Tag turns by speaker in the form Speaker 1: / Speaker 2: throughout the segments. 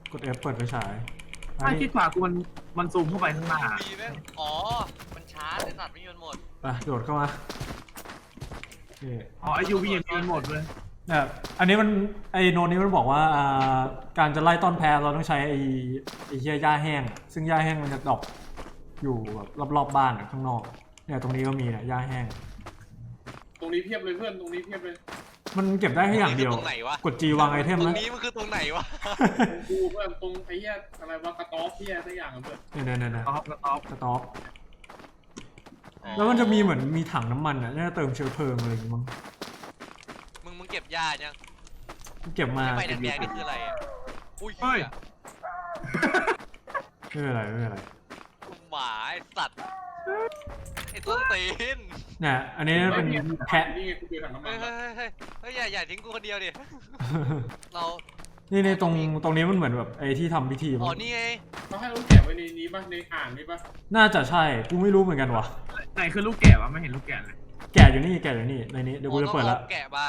Speaker 1: กด F เปิดไฟฉาย
Speaker 2: ถ้าคิดขวากูมันซูมเข้าไปข้างหน้า
Speaker 3: มีแม่งอ๋อมันชาร์จไอ้สัตว์ไม่มีมันหมด
Speaker 1: ไปโดดเข้ามานี่
Speaker 2: อ๋อไอยูวียังหมดเลย
Speaker 1: เนี่ยอันนี้มันไอโนนี้มันบอกว่าการจะไล่ต้นแพ้เราต้องใช้ไอเหี้ยหญ้าแห้งซึ่งหญ้าแห้งมันจะดรอปอยู่แบบรอบๆบ้านข้างนอกเนี่ยตรงนี้ก็มีเนี่ยหญ้าแห้ง
Speaker 4: ตรงนี้เพียบเลยเพื่อนตรงนี้เพียบเลย
Speaker 1: มันเก็บได้แค่อย่างเดียว
Speaker 3: ตรงไหนวะ
Speaker 1: กด G วางไอเทม
Speaker 3: ตร
Speaker 1: นะ
Speaker 3: งนี้มันคือตรงไหนวะ
Speaker 4: ตรงกูเพื่อนตรงไอ้เหี้ยอะไรวะกระต๊อบเหี้ยสักอย่างอะเพื่อน
Speaker 1: เนี่ย
Speaker 2: ท็อปแล้วท็อป
Speaker 1: สต็อกแล้วมันจะมีเหมือนมีถังน้ำมันอ่ะน่าจะเติมเชื้อเพลิงอะไรอย่างงี้มั้ง
Speaker 3: มึงเก็บยายัง
Speaker 1: เก็บมา
Speaker 3: ไฟแดงๆนี่คืออะไรอ่ะอุ้ย
Speaker 2: เฮ้ย
Speaker 1: ไม่เป็นไรไม่เป็นไร
Speaker 3: หมาไอ้สัตว์ไอ้ต้นตีน
Speaker 1: เนี่ยอันนี้เป็นแพะ
Speaker 4: นี่ไงกูเจอถังน้ำมั
Speaker 3: เฮ้
Speaker 4: น
Speaker 3: ย
Speaker 4: แล้ว
Speaker 3: เฮ้ยอย่าทิ้งกูคนเดียวดิเรา
Speaker 1: นี่ในตรงนี้มันเหมือนแบบไอ้ที่ทำพิธี
Speaker 3: อ๋อ
Speaker 1: มั้ง
Speaker 3: นี่ไง
Speaker 4: เขาให้ลูกแกะไว้ในนี้ป่ะในอ่างนี้ป่ะ
Speaker 1: น่าจะใช่กูไม่รู้เหมือนกันว่ะ
Speaker 2: ไหนคือลูกแกะวะไม่เห็นลูกแกะเลย
Speaker 1: แกะอยู่นี่ในนี้เดี๋ยวกูจะเปิดแล้ว
Speaker 3: แกะมา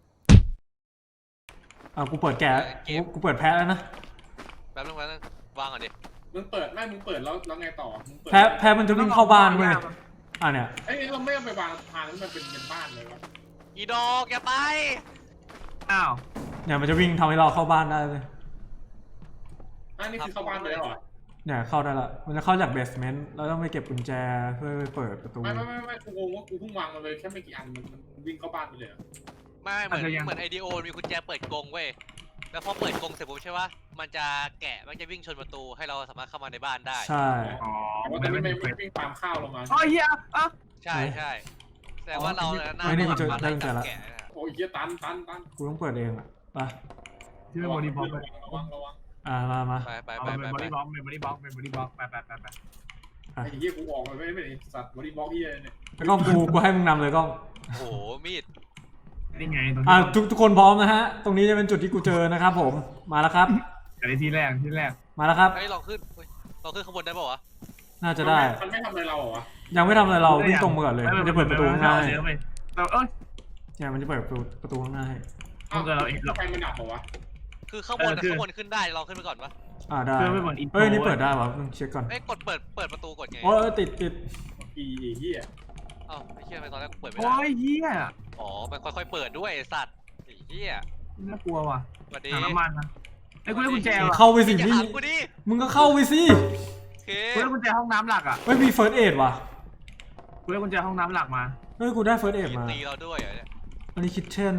Speaker 1: กูเปิดแกะกูเปิดแพะแล้วนะ
Speaker 3: แป๊บนึงวางก่อนดิ
Speaker 4: มึงเปิดแล้วไงต่อมึงเปิด
Speaker 1: แพะมันจะวิ่งเข้าบ้านเว้ยเนี่ย
Speaker 4: เอ้ยเราไม่เอาไปวางทางที่มันเป็นบ้านเลยวะ
Speaker 3: อีดอกอย่าไป
Speaker 2: อ้าว
Speaker 1: เนี่ยมันจะวิ่งทำให้เราเข้าบ้านได้เลย
Speaker 4: อันนี้คือเข้าบ้านไปแล้วเหรอ
Speaker 1: เนี่ยเข้าได้ละมันจะเข้าจากเบสเมนต์แล้วต้องไปเก็บกุญแจเพื่อไปเปิดประตู
Speaker 4: ไม่กูงงว่ากูเพิ่งวางมาเลยแค่ไม่กี่อันมันวิ่งเข้าบ้านไปเลย
Speaker 3: ไม่เหมือนไอเดีโอมีกุญแจเปิดกรงเว้ยแล้วพอเปิดกรงเสร็จปุ๊บใช่ปะมันจะแกะมันจะวิ่งชนประตูให้เราสามารถเข้ามาในบ้านได้
Speaker 1: ใช่
Speaker 2: อ๋อ
Speaker 4: แต่ว่าตอนนี้ไม่วิ่งตามข้าวลงมา
Speaker 2: อ๋อเฮียอ่ะ
Speaker 3: ใช่แต่ว่าเราน่า
Speaker 1: ไม่นี่กูเจอ
Speaker 3: จะ
Speaker 1: ได้กุญแจละ
Speaker 3: แกะ
Speaker 4: โอ้ยเหี้ยตัน
Speaker 1: กูต้องเปิดเองอ่ะไป
Speaker 2: ที่เป็นบอดี้บล็อกไป
Speaker 4: ระวัง
Speaker 1: มา
Speaker 3: ไป
Speaker 2: เอาเป็นบอดี้บล็อกเป็นบอดี้บล็อกเป็นบอดี้บล็อกไป
Speaker 4: ไอ้เหี้ยกูออกไปไม่สัตว์บอดี้บล็อกเหี้ยเนี่ย
Speaker 1: แล้วก็กูให้มึงนำเลยกล้อง
Speaker 3: โอ้โหมีด
Speaker 2: นี่ไงตรงนี้
Speaker 1: ทุกคนพร้อมนะฮะ ตรงนี้จะเป็นจุดที่กูเจอนะครับผม มาแล้วครับ
Speaker 2: อันนี้ที่แรก
Speaker 1: มาแล้วครับ
Speaker 3: ไอ้ลองขึ้นลองขึ้นข้างบนได้ป่าวะ
Speaker 1: น่าจะได้
Speaker 4: มันไม่ทำอะไรเราเหรอวะ
Speaker 1: ยังไม่ทำอะไรเราวิ่งตรงมาก่อนเลย มันจะเปิดประตูข้างหน้าให้
Speaker 2: เราเอ้ย
Speaker 1: เนี่ยมันจะเปิดประตูข้างหน้าให้
Speaker 4: ไฟมันดับเหรอวะ
Speaker 3: คือข้างบนขึ้นได้ลองขึ้นไปก่อนปะ
Speaker 1: ได้
Speaker 2: เพื่อไม่เหมือนอินโทร
Speaker 1: เฮ้ยนี่เปิดได้วะมึงเช็คก่อน
Speaker 3: ไอ้กดเปิดประตูกดไง
Speaker 1: โอ้ยติด
Speaker 4: อีเหี้ย
Speaker 3: เอ้าไอ้เหี้ยทำไมตอนแรกกูเปิดไม่
Speaker 2: โอ้
Speaker 3: ได้
Speaker 2: ยเฮีย
Speaker 3: อ๋อมันค่อยๆเปิดด้วยไอ้สัตว์ไอ้เหี้ย
Speaker 2: น่ากลัวว่ะ
Speaker 3: สวัสดี
Speaker 2: ถังน้ำมันนะไอ้กูได้กุญแจว่ะ
Speaker 1: เข้าไปสิ
Speaker 3: อย่า
Speaker 1: นี่
Speaker 3: ถามกูดิ
Speaker 1: มึงก็เข้าไปสิ
Speaker 3: โอเค
Speaker 2: กูได้กุญแจห้องน้ำหลักอ่ะ
Speaker 1: เฮ้ยมีเฟิร์สเอดว่ะ
Speaker 2: กูได้กุญแจห้องน้ำหลักมา
Speaker 1: เฮ้ยกูได้เฟิร์สเอดมา
Speaker 3: ตีเราด้วยเหรอเนี่ย
Speaker 1: อันนี้คิทเช่น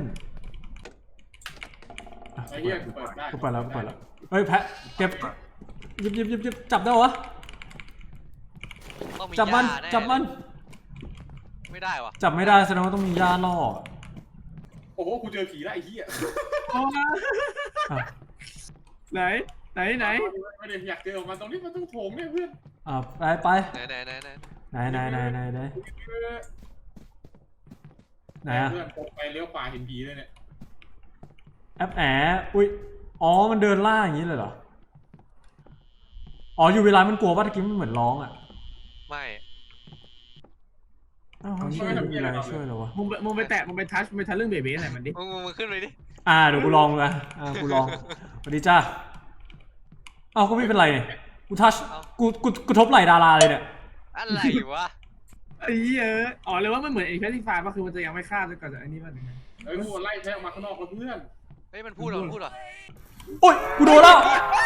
Speaker 4: ไอ้เหี้ยกูเปิดได้
Speaker 1: กูเปิดแล้วเฮ้ยแพะเก็บหยิบจับได้วะ
Speaker 3: ต้องมี
Speaker 1: จับมัน
Speaker 3: หญ้าแ
Speaker 1: จับมัน
Speaker 3: ไม่ได้วะ
Speaker 1: จับไม่ได้แสดงว่าต้องมีย่าล่อ
Speaker 4: โอ้โหกูเจอผีแล้วไอ้เหี้ย
Speaker 1: อ่ะ
Speaker 2: ไหน
Speaker 4: ไม่ได้อยากเจอมันตรงนี้มันต้องโถงเนี่ยเพื่อน
Speaker 1: ไป
Speaker 3: ไหน
Speaker 1: ไหนอะ
Speaker 4: เพื่อนตรงไปเลี้ยวขวาเห็นผีเลยเนี่ย
Speaker 1: แอปอุ้ยอ๋อมันเดินล่าอย่างนี้เลยเหรออ๋ออยู่เวลามันกลัวว่าตะกี้มันเหมือนร้องอ่ะ
Speaker 3: ไม่
Speaker 1: อ้าวช่วยมีอะไรช่วยเหรอวะ
Speaker 2: มึงไปแตะมึงไปทัชมึงไปทัชเรื่องเบบี้ไหนมันดิ
Speaker 3: มึงขึ้นไปดิ
Speaker 1: เดี๋ยวกูลองเลยกูลองสวัสดีจ้าอ้าวก็ไม่เป็นไรเนี่ยกูทัชกูทบไหล่ดาราเลยเนี่ย
Speaker 3: อะไรวะ
Speaker 2: ไอ้เหี้ยอ๋อเลยว่ามันเหมือนไอ้แคสซิฟายป่ะคือมันจะยังไม่ฆ่าจนกว่าจะไอ้นี่มันยังไง
Speaker 4: เฮ้ยกูไล่แท้ออกมาข้างนอกแล้วเพื่อน
Speaker 3: เฮ้ยมันพูดเหรอ
Speaker 1: โอ้ยกูโดนแล้ว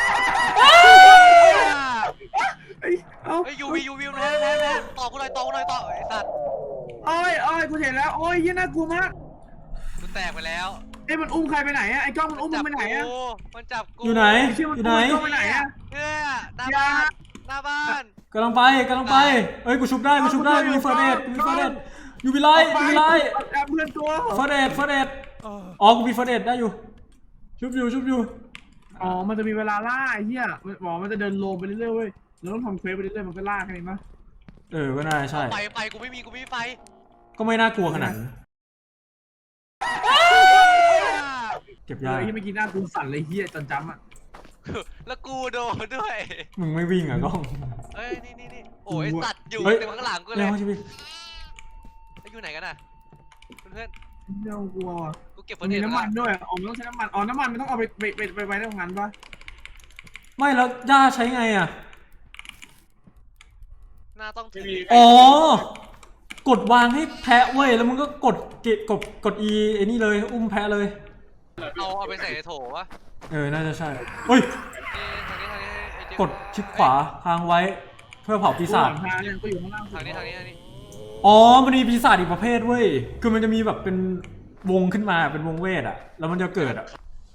Speaker 2: เอ้ยเอ้า
Speaker 3: เฮ้ยยูวีแทนต่อกูหน่อยต่อไอ้สัตว์
Speaker 2: โอ้ยกูเห็นแล้วโอ้ยเหี้ยน่ากลัวมาก
Speaker 3: กูแตกไปแล้ว
Speaker 2: ไอ้มันอุ้มใครไปไหนอะไอ้กล้องมันอุ้มมึงไปไหนอะ
Speaker 3: มันจับกู
Speaker 1: อยู่ไหน
Speaker 2: เชื่อมัน
Speaker 1: อยู่
Speaker 2: อุ้
Speaker 1: ไหน
Speaker 2: มกล้องไปไหนอะ
Speaker 3: เนี่ยหน้าบ้าน
Speaker 1: กำลังไปเอ้ยกูชุบได้มีเฟิร์สเอดอยู่วิไล
Speaker 2: เพื่อนตัว
Speaker 1: เฟิร์สเอดอ๋อกูมีเฟิร์สเอดได้อยู่ชุบอยู่
Speaker 2: อ๋อมันจะมีเวลาล่าไอ้เหี้ยมันจะเดินโลมไปเรื่อยๆเว้ยเราต้องทำเควสไปเรื่อยๆมันก็ล่าแค่นี้มั้ย
Speaker 1: ก็น่าใช่
Speaker 3: ไฟกูไม่มีไฟ
Speaker 1: ก็ไม่น่ากลัวขนาดนั้นเก็บยา
Speaker 2: ที่เมื่อกี้หน้ากูสั่นเลยเหี้ยจนจำอะ
Speaker 3: แล้วกูโดนด้วย
Speaker 1: มึงไม่วิ่งอ่ะกล้อง
Speaker 3: เอ้ยนี่โอ้ยสัตว์อยู่
Speaker 1: เฮ้ย
Speaker 3: เต็มข้างหลังกูเล
Speaker 1: เร็
Speaker 3: ยว
Speaker 1: ชีวิต
Speaker 3: อยู่ไหนกันน่ะเพื่อน
Speaker 2: เหี้ยกลัวว่ะ
Speaker 3: กูเก็บ
Speaker 2: มันมีน้ำมันด้วยอ๋อมันต้องใช้น้ำมันอ๋อน้ำมันมันต้องเอาไปไว้ในโรงงานปะ
Speaker 1: มไม่แล้วย่าใช้ไงอ่ะ
Speaker 3: น่าต้องถือ
Speaker 1: อ๋อ กดวางให้แพะเว้ยแล้วมึงก็กด E ไอ้นี่เลยอุ้มแพะเลย
Speaker 3: เอาไปใส่ในโถวะ
Speaker 1: น่าจะใช่เฮ้ย
Speaker 3: ทางนี้ไอ้เจ๊
Speaker 1: กดคลิกขวาค้างไว้เพื่อเผาปีศาจ
Speaker 2: ทางเนี่ยก็อยู่ข้างล่าง
Speaker 3: ทางนี้
Speaker 1: อ๋อมันมีปีศาจอีกประเภทเว้ยคือมันจะมีแบบเป็นวงขึ้นมาเป็นวงเวทอ่ะแล้วมันจะเกิดอ่ะ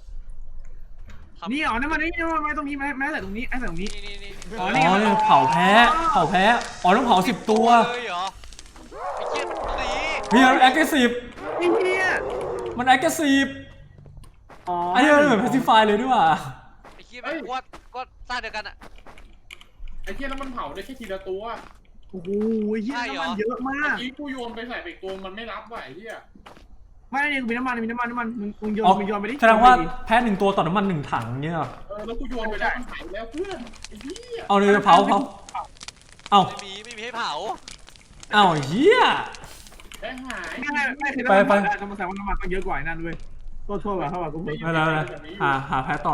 Speaker 2: นี่อ๋อนี่มันนี่มาตรงนี้แม้แต่ตรงนี้ไอ้แต่ตรงนี้
Speaker 3: นี่
Speaker 2: อ๋
Speaker 1: อ๋
Speaker 2: อ
Speaker 1: อ
Speaker 2: นี่
Speaker 1: เนี่ยเผาแพ้อ๋อต้องเผา10 ตัว
Speaker 3: เลยเหรอไอ้เจี๊ยบสี
Speaker 1: เฮ้ยมันแอคทีฟ
Speaker 2: ไอ้เหี้ย
Speaker 1: มันแอคทีฟ
Speaker 2: อ๋อ
Speaker 1: ไอ้เนี่ยมันเหมือนแพสซีฟายเลยด้วยว่ะ
Speaker 3: ไอ้เจี๊ยบก็สร้างเดียวกันอะ
Speaker 4: ไอ้เหี้ยแล้วมันเผาได้แค่ทีละตัว
Speaker 2: โอ้โหเหี้ยน้ำมันเยอะมา
Speaker 4: เมื่อก กี้กูโยนไปใส่ไปอีกตัวมันไม่รับว่ะไอ้เหี้ย
Speaker 2: ไม่เนี่ยมีน้ำมันมึงโยน
Speaker 1: อ๋อ
Speaker 2: มึงโยนไปดิ
Speaker 1: แสดงว่าแพ้1 ตัวต่อน้ำมัน1 ถังเนี่ยเหรอ
Speaker 4: แล้วกูโยนไปแล้วมันหายแล้วเพื่อนไอ้เหี้ย
Speaker 1: เอาเลยเผาเอา
Speaker 3: ไม่มีให้เผา
Speaker 1: เอาเหี้ย
Speaker 4: แค่หาย
Speaker 2: ไม่คือน้ำมันน้ำมันแสดงว่าน้ำมันต้องเยอะกว่านั่นเว้ยโทษว่ะเท่าไหร่กูเพิ่ม
Speaker 1: ไม่แล้วหาแพ้ต่อ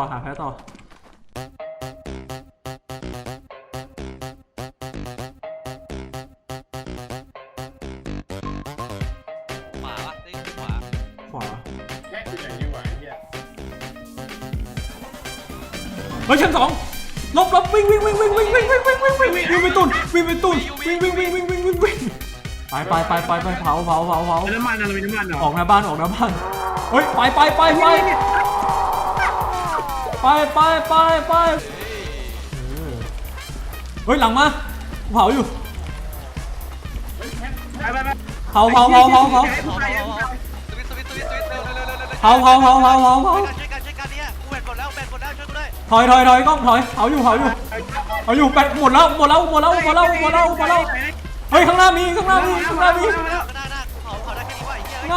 Speaker 3: ขวาวะนี่ขวา
Speaker 1: ขวา
Speaker 4: แค่คือไหนดีกว่าไอ้เหี้ย
Speaker 1: เฮ้ยชั้น 2ลบวิ่งไปตุ่นวิ่งไปเผา
Speaker 2: น้ำมันอะไรน้ำมันเหรอ
Speaker 1: ออกหน้าบ้านเฮ้ยไปเฮ้ยหลังมาเผาอยู่
Speaker 4: เฮ้ยแค่
Speaker 2: ไป
Speaker 1: เผา
Speaker 3: สวิตเร็ว
Speaker 1: เผา
Speaker 3: ช่วยกันเนี่ยกูแบตหมดแล้วช่วยกูด้วย
Speaker 1: ถอยกล้องถอยเผาอยู่แบตหมดแล้วเฮ้ยข้างหน้ามี
Speaker 3: หน้ากูเผาได้แค่นี้ว่าไอ้เหี้ย
Speaker 1: หน้า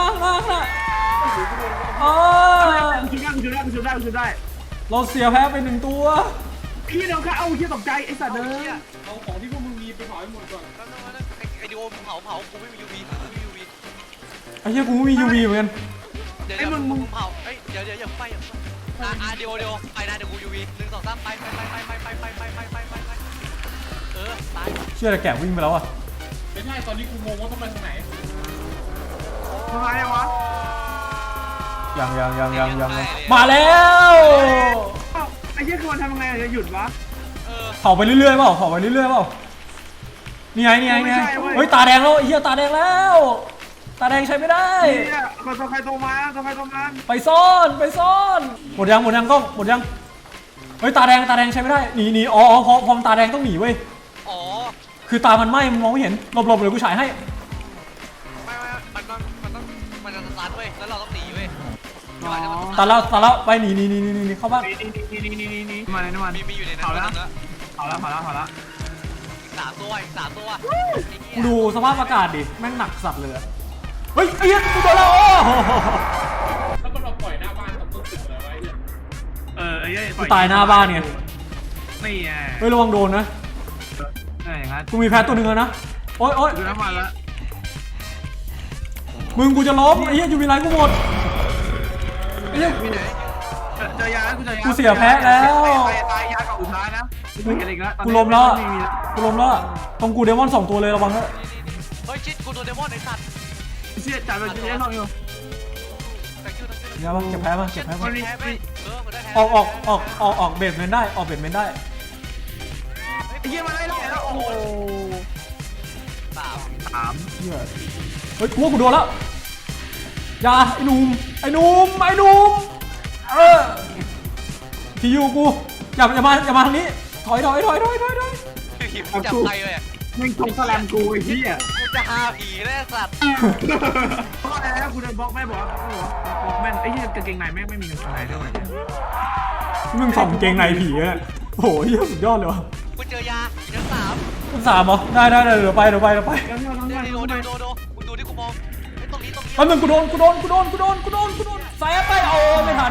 Speaker 1: อ๋อ
Speaker 2: ชุดได้
Speaker 1: เราเสียแพ้ไป1 ตัว
Speaker 2: พี่น้องค่ะเอาเหี้ยตกใจไอ้สัตว์เด้อ
Speaker 4: เอาของที่พวกมึงมีไปเผาให้หมดก่อน
Speaker 3: ไอเดีโอเผากูไม่มี UV
Speaker 1: ไอ้เหี้ยกูไม่มี UV เหมือนกัน
Speaker 3: เดี๋ยวมึงเผาเดี๋ยวอย่าไปเดี๋ยวไปนะเดี๋ยวกู UV 1 2 3ไปตาย
Speaker 1: เชื่อแต่แกะวิ่งไปแล้วอ่ะ
Speaker 4: ไม่ใช่ตอนนี้กูงงว่าต้องไปทางไหน
Speaker 2: ทำไมวะ
Speaker 1: ยังมาแล้ว
Speaker 2: ไอ้เหี้ยคือมันทำยังไงจะหยุดวะ
Speaker 1: เผาไปเรื่อยๆเปล่านี่ไงเฮ้ยตาแดงแล้วไอ้เหี้ยตาแดงแล้วตาแดงใช้ไม่ได้
Speaker 2: เนี่ยตัวใครตัวมัน
Speaker 1: ไปซ่อนหมดยังกล้องหมดยังเฮ้ยตาแดงใช้ไม่ได้หนีอ๋อพอตาแดงต้องหนีเว้ย
Speaker 3: อ๋อ
Speaker 1: คือตามันไหม้มันมองไม่เห็นหลบเลยกูฉายให้
Speaker 3: ไม่มันจะสตาร์ทเว้ยแล้วเราต้องหนีเว้ย
Speaker 1: ตาแล้วไปหนีเข้าบ้าน
Speaker 2: นี่มาเลยน้ำมัน
Speaker 3: มีอยู่ในนั้น
Speaker 2: เผาแล้ว
Speaker 3: แล้ว
Speaker 2: อีก
Speaker 3: 3 ตัว
Speaker 1: กูดูสภาพอากาศดิแม่งหนักสัตว์เลยเฮ้ยไอ้เหี้ยกูโดนแล้วโอ้
Speaker 4: แล้วมันมาปล่อยหน้าบ้านกับต้นตึกอะไรไว้เนี่ย
Speaker 2: ไอ้เหี้ย
Speaker 1: กูตายหน้าบ้านไง
Speaker 2: นี่ไง
Speaker 1: เฮ้ยระวังโดนนะ
Speaker 2: อย่างนั้น
Speaker 1: กูมีแพ้ตัวหนึ่งแล้วนะโอ๊ย
Speaker 2: ดูน้ำมันแล้ว
Speaker 1: มึงกูจะล้มไอ้เหี้ยอยู่มีไรกูหมดไอ้เหี้ย
Speaker 2: เจอยาแล้ว
Speaker 1: กูเสียแพ้แล้ว
Speaker 2: ตายยากับอุท้ายนะไม่เห็นอีกแล้ว
Speaker 1: กูล้มแล้วอะตรงกูเดมอน2 ตัวเลยระวังด้วย
Speaker 3: เฮ้ยชิดกูโดนเดมอนไอ้สัตว์
Speaker 2: เสียจ่ายไปเยอะหน่อยอยู่
Speaker 1: เดี๋ยวเก็บแพ้มา
Speaker 3: แพ้ไปมันได้แพ้
Speaker 1: ออกเบสเมนได้ออกเบสเมนได้
Speaker 2: ไอ้เหี้ยมาไล่แล้วโอ้โห
Speaker 1: เหี้ยเฮ้ยกูว่ากูโดนแล้วอย่าไอ้หนุ่มที่อยู่กูอย่ามาทางนี้ถอย
Speaker 3: ผีมันจับใครเลย
Speaker 2: แม่งชงสแลมกูไอ้เหี้ย
Speaker 3: กูจะหาผีแล้วสัตว์
Speaker 2: เพราะอะไรนะกูเดินบล็อกแม่บอกแม่ไอ้เหี้ยกางเกงในแม่งไม่มีกางเกงในด้วย
Speaker 1: มึงถอดกางเกงในผีอะโอ้โหเหี้ยสุดยอดเลยวะ
Speaker 3: กูเจอยาชั้น
Speaker 1: คุณ3เหรอได้เดี๋ยวไป
Speaker 3: 3โดมึงดูที่กูมองไอ้ตรงนี้
Speaker 1: แป๊บนึงกูโดนใส่ไปโอ้ไม่ทัน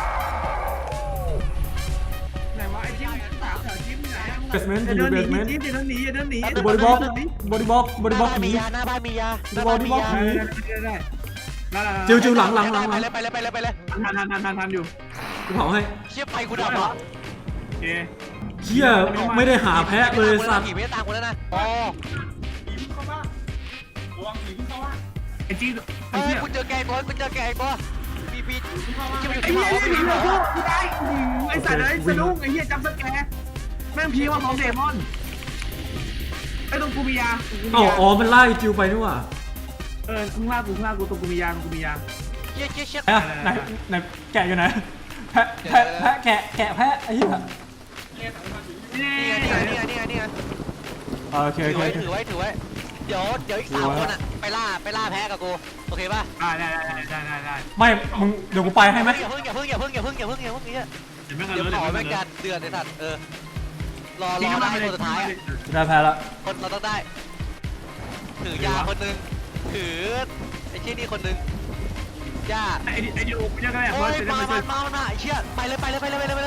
Speaker 2: ไหนวะไอ้จิ้มสาวจิ้มไหน
Speaker 1: เบสเมนต์
Speaker 2: เดินหนีจิ้มเดินหนี
Speaker 1: บริบ็อกหนี
Speaker 3: หน้าบ้านมียา
Speaker 1: บริบ็อกหนี
Speaker 2: ได้
Speaker 1: จิวหลัง
Speaker 3: ไปเลย
Speaker 2: ทันอยู่
Speaker 1: กูเผาให้
Speaker 3: เชี่ยไฟกูดับเหรอ
Speaker 2: โอเค
Speaker 1: เหี้ยไม่ได้หาแพะเลยสัตว์
Speaker 3: ผีไม่ได้ตามกูแล้วนะอ๋อ
Speaker 4: ผีเพิ่งเข้าบ้านระวังผีเพิ่งเข้าบ้าน
Speaker 2: ไอ้จีไอ้
Speaker 3: เฮ้ย
Speaker 2: เหี้ย
Speaker 3: กูเจอแกตัวกูเจอแกตัวปีปี
Speaker 4: เพิ่งเข้าบ้าน
Speaker 3: จะไปอยู่
Speaker 2: ไอ้
Speaker 3: ที่
Speaker 2: เหี้
Speaker 3: เขา
Speaker 2: ย
Speaker 3: ไป
Speaker 2: ไอ้
Speaker 3: อยู่
Speaker 2: เหี้
Speaker 3: ที่
Speaker 2: ย
Speaker 3: เขา
Speaker 2: กูได้ไอ้สัตว์ไอ้สะดุ้งไอ้เหี้ยจำสแกร์แม่งพีว่าของเดมอนไอ้ตรงกูมียา
Speaker 1: อ๋อมันไล่จิวไปนี่หว่า
Speaker 2: ข้างล่างกูตรงกูมียาตรงกูมียา
Speaker 3: เชี่ยเชี่ยเชี่ย
Speaker 1: แพะไหนแกะอยู่ไหนแพะแกะแพะไอ้เหี้ย
Speaker 2: นี่
Speaker 3: นี่ไงนี่ไงนี่ไงนี่ไง
Speaker 1: โอเค
Speaker 3: ถื
Speaker 1: โอ
Speaker 3: อ
Speaker 1: เค
Speaker 3: ไว้ถือไว้ถือไว้เดี๋ยวอีก3 คนอ่ะไปล่าแพ้กับกูโอเคป่ะ
Speaker 2: ได้
Speaker 1: ไม่มึงเดี๋ยวกูไปให้ไหม
Speaker 3: อย่าเพิ่งเดี๋ยวเผาแม่งการเดือดไอ้สัตว์รอได้คนสุดท้าย
Speaker 1: ได้แพ้ละ
Speaker 3: คนเราต้องได้ถือยาคนนึงถือไอ้เชี่ยนี่คนนึงย่า
Speaker 2: ไอ้ดิโอกูยังไงอ่ะ
Speaker 3: โอ้
Speaker 2: เฮ้
Speaker 3: ย
Speaker 2: ย
Speaker 3: มาไอ้เชี่ยไปเลยไม่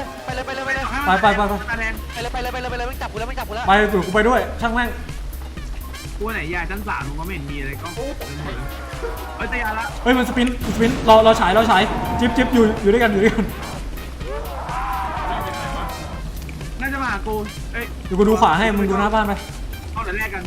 Speaker 3: จับกูแล้วไม่จับกูแล้ว
Speaker 1: ไปตู่กูไปด้วยช่างแม่ง
Speaker 2: กูไหนยาชั้น3มึงก็ไม่เห็นมีอะไรก็เฮ้ยแต่ยาละ
Speaker 1: เฮ้ยมันสปินเราฉายจิ๊บอยู่ด้วยกัน
Speaker 2: น่าจะมากูเอ้ย
Speaker 1: เดี๋ยวกูดูขวาให้มึงดูหน้าบ้านไป
Speaker 2: เอาแต่แรกกัน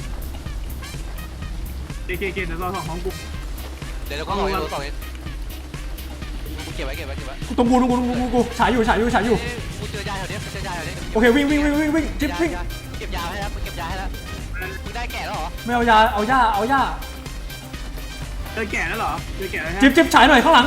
Speaker 2: เกเดี๋ยวเรา2ของกู
Speaker 3: เดี๋ยวก็2เองกูเก็บไว้
Speaker 1: ตรงกูฉายอยู่
Speaker 3: กูเจอยาแถวนี้
Speaker 1: โอเควิ่งจิ๊บวิ่ง
Speaker 3: เก็บยาให้แล้วมึงเก็บยาให้แล้วมึงได้แก่แล้วเหรอ
Speaker 1: ไม่เอายาเอาย่า
Speaker 2: เจอแก่แล้วเหรอเจอแก่แล้ว
Speaker 1: จิ๊บฉายหน่อยข้างหลัง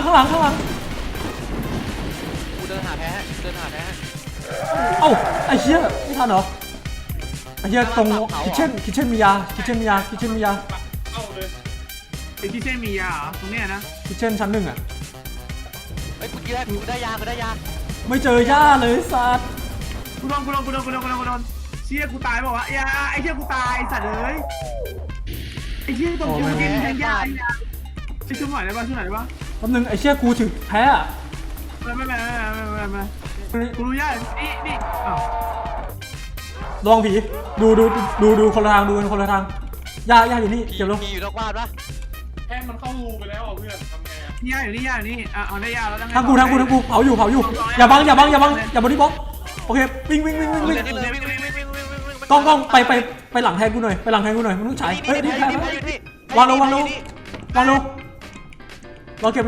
Speaker 3: กูเดินหาแพ้
Speaker 1: เอ้าไอ้เหี้ยไม่ทันเหรอไอ้เหี้ยตรงคิทเช่นมียา
Speaker 4: เข้าเลย
Speaker 2: ไอ้ที่เช่นมียาเหรอตรงเนี้ยนะ
Speaker 1: คิทเช่นชั้น1อ่ะ
Speaker 3: เฮ้ยกูได้ยา
Speaker 1: ไม่เจอย่าเลยสัตว์
Speaker 2: กูโดนเชี่ยกูตายบอกว่ายาไอ้เชี่ยกูตายสัตว์เลยไอ้เชี่ยตรงกูกินแทงยาไอ้ช่วยหน่อยได้ป่ะ
Speaker 1: แป๊บนึงไอ้เชี่ยกูถึงแพ้อะ
Speaker 2: ไม่กูรู้ยานี่อ้าว
Speaker 1: ลองผีดูคนละทางย่าอยู่นี่เก็บลง
Speaker 3: ผีอยู่นอกบ้านปะ
Speaker 4: แค่มันเข้ารูไปแล้วเพื่อนทำไงอ่ะ
Speaker 2: ยาอยู่นี่เอาได้ยาแล้ว
Speaker 1: ทางกูเผาอยู่อย่าบังอย่าบอดี้บล็อกโอเควิ่งกล้องไปหลังแทนกูหน่อยมึงต้องฉายเฮ้ยนี่แทนวางลงรอเก็บ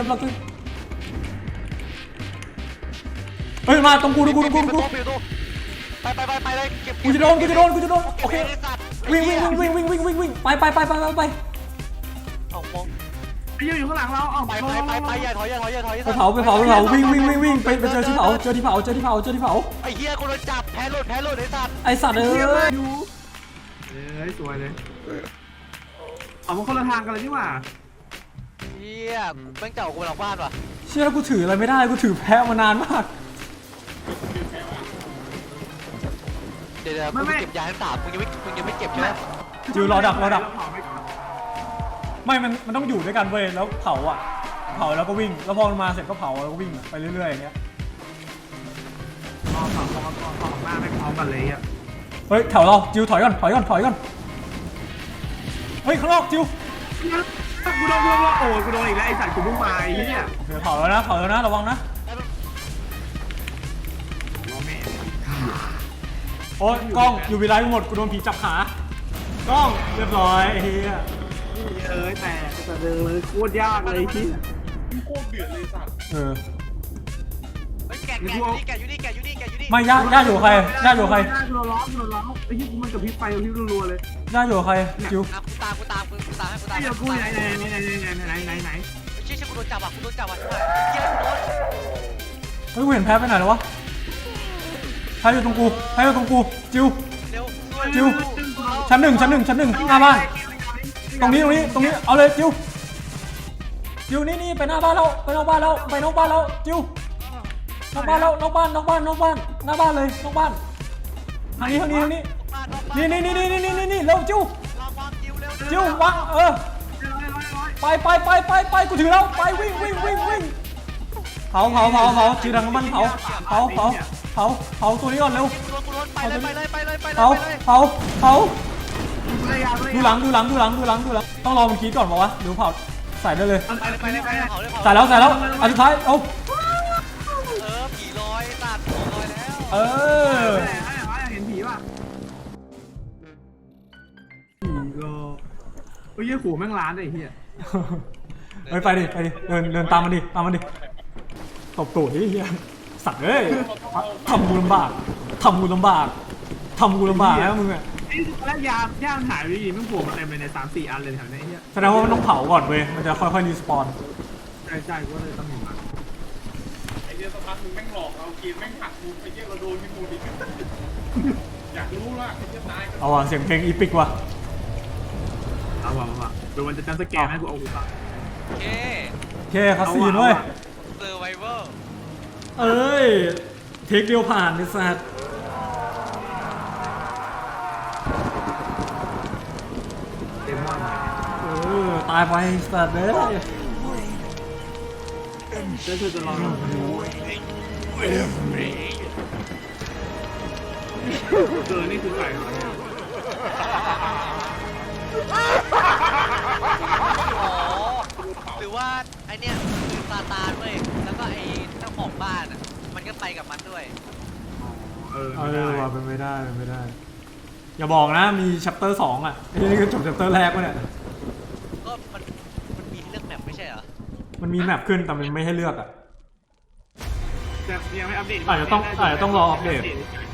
Speaker 1: เฮ้ยมาตรงกูไปเลยกูจะโดนโอเควิ่งไป
Speaker 3: เอามอง
Speaker 2: ไอ้ยืนอยู่ข้างหลังเราเอา
Speaker 3: ไปอย่าถอย
Speaker 1: ไปเผาวิ่งไปเจอที่เผา
Speaker 3: ไอ้เหี้ยกูโดนจับแพ้หลุดไอ้สัตว์
Speaker 1: ไอสัตว์เอ้ย
Speaker 2: สวยเลยเอามาคนละทางกันเลยดีกว่า
Speaker 3: เหี้ยแม่งเจ้ากูไปหลังบ้านว่ะ
Speaker 1: เชื่อกูถืออะไรไม่ได้กูถือแพ้มานานมาก
Speaker 3: เดี๋ยวกูเก็บยาทั้ง3มึงยังไม่เก็บใช่ไหม
Speaker 1: จิวรอดักไม่มันต้องอยู่ด้วยกันเว้ยแล้วเผาแล้วก็วิ่งแล้วพอมันมาเสร็จก็เผาแล้วก็วิ่งไปเรื่อยๆอย่างเงี้ย
Speaker 2: ต่อหน้าไม่พร้อมกันเลยอ่ะ
Speaker 1: เฮ้ยแถวเราจิวถอยก่อนเฮ้ยข้างนอกจิว
Speaker 2: กูโดนโอ้ยกูโดนอีกแล้วไอ้สัตว์กูเพิ่งมาไอ้เนี่ย
Speaker 1: เดี๋ยวเผาแล้วนะระวังนะโอ้ยกล้องอยู่วิไลหมดกูโดนผีจับขากล้องเรียบร้อยไอ้เหี้ย
Speaker 2: แต่เดินเลยโคตรยากเลยที่
Speaker 4: มันโคตรเดือดเลยสัตว์
Speaker 3: แกอยู่นี่
Speaker 1: ไม่ย่าอยู่กับใคร
Speaker 2: กูร้องไอ้ที่กูมันกับพริบไฟกับพริบรัวเลย
Speaker 1: ย่าอยู่กับใครจิว
Speaker 3: กูตามให้กูตาม
Speaker 2: ไอ้เดี๋ยวกูไหนไหน
Speaker 3: เชี่ยกูโดนจับใช่ไหมเหี้ยกูโดน
Speaker 1: เฮ้ยกูเห็นแพ้ไปไหนแล้ววะแพ้อยู่ตรงกูจิว
Speaker 3: เร็ว
Speaker 1: จิวชั้นหนึ่งหน้าบ้านตรงนี้เอาเลยจิวนี่ไปหน้าบ้านแล้วไปนอกบ้านแล้วจิวนอกบ้านหน้าบ้านเลยนอกบ้านทางนี้นี่เร็วจิว
Speaker 3: จิว
Speaker 1: วางไปกูถือแล้วไปวิ่งเผาถือถังน้ำมันเผาตัวนี้ก่อนเร็ว
Speaker 3: กูโดนไปเลย
Speaker 1: เผาดูหลังต้องรอมันคิดก่อนบอกว่าหรือเผาใส่ได้เลยใส่แล้วอันสุดท้ายเอา
Speaker 3: ผีลอยตัดผีลอยแล้ว
Speaker 1: เออ
Speaker 2: โอ้ยเหี้ยขู่แม่งล้านเลยไอ้เหี้ย
Speaker 1: เฮ้ยไปดิเดินตามมันดิตบตูดดิเฮียสัตว์เอ้ยทำกูลำบากแล้วมึงอะ
Speaker 2: ไอ้แล้วยามหายไปดีแม่งโผล่มาเต็มเลยใน3-4 อันเลยแถวนี้ไอ้เหี้ย
Speaker 1: แสดงว่ามันต้องเผาก่อนเว้ยมันจะค่อยๆรีสปอน
Speaker 2: ใช่กูก็เลยต้องมีมา
Speaker 4: ไอ้เหี้ยสักพักมึงแม่งหลอกเราเกมแม่งหักมึงไอ้เหี้ยเราโดนที่มูดิอยากรู้ว่าไอ้เหี้ยตายก็
Speaker 1: เอาว่ะเสียงเพลงอีปิกว่ะ
Speaker 2: เอาว่ะดูมันจะจำสแกนให้กูเอากูปะ
Speaker 3: โอเค
Speaker 1: โอเคคาซีนเว้ย
Speaker 3: เซอร์ไวเวอร์
Speaker 1: เอ้ยเทคเดียวผ่านไอ้สัตว์
Speaker 2: เต็มหม้อหน่อย
Speaker 1: ตายไปสัตว์เอ้ย
Speaker 2: เดี๋ยวจะลองนี่คือไก่เหรอเนี่ย
Speaker 3: อ๋อหรือว่าไอเนี้ยคือซาตานเว้ยแล้วก็ไอเจ้าของบ้านอ่ะมันก็ไปกับมันด้วย
Speaker 2: ไม่ได้
Speaker 1: ว่ะเป็นไม่ได้อย่าบอกนะมีชัปเตอร์2อ่ะไอ้นี่คือจบชัปเตอร์แรกวะเนี่ย
Speaker 3: ก็มันมีเรื่องแมปไม่ใช่เหรอ
Speaker 1: มันมีแมปขึ้นแต่มันไม่ให้เลือกอ่ะ
Speaker 2: แต่ยังไม่อัปเดต
Speaker 1: อาจจะต้องรออัปเดต